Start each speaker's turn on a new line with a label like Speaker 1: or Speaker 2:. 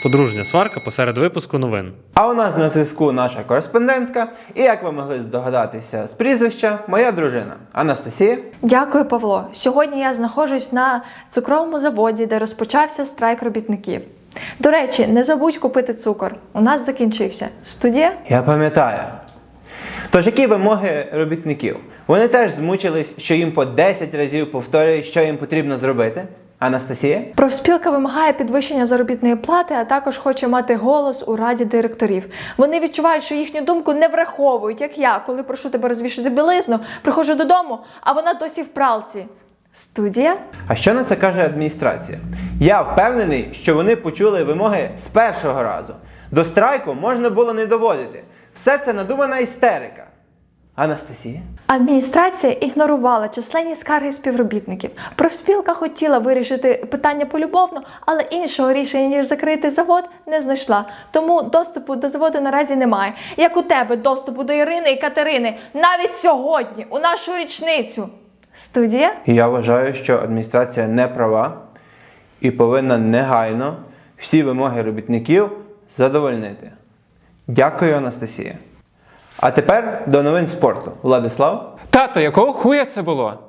Speaker 1: Подружня сварка посеред випуску новин.
Speaker 2: А у нас на зв'язку наша кореспондентка, і як ви могли здогадатися з прізвища, моя дружина Анастасія.
Speaker 3: Дякую, Павло. Сьогодні я знаходжусь на цукровому заводі, де розпочався страйк робітників. До речі, не забудь купити цукор. У нас закінчився. Студія?
Speaker 2: Я пам'ятаю. Тож, які вимоги робітників? Вони теж змучились, що їм по 10 разів повторюють, що їм потрібно зробити. Анастасія?
Speaker 3: Профспілка вимагає підвищення заробітної плати, а також хоче мати голос у раді директорів. Вони відчувають, що їхню думку не враховують, як я, коли прошу тебе розвішати білизну, приходжу додому, а вона досі в пралці. Студія?
Speaker 2: А що на це каже адміністрація? Я впевнений, що вони почули вимоги з першого разу. До страйку можна було не доводити. Все це надумана істерика. Анастасія?
Speaker 3: Адміністрація ігнорувала численні скарги співробітників. Профспілка хотіла вирішити питання полюбовно, але іншого рішення, ніж закрити завод, не знайшла. Тому доступу до заводу наразі немає. Як у тебе доступу до Ірини і Катерини, навіть сьогодні, у нашу річницю. Студія?
Speaker 2: Я вважаю, що адміністрація не права і повинна негайно всі вимоги робітників задовольнити. Дякую, Анастасія. А тепер до новин спорту. Владислав?
Speaker 4: Тато, якого хуя це було?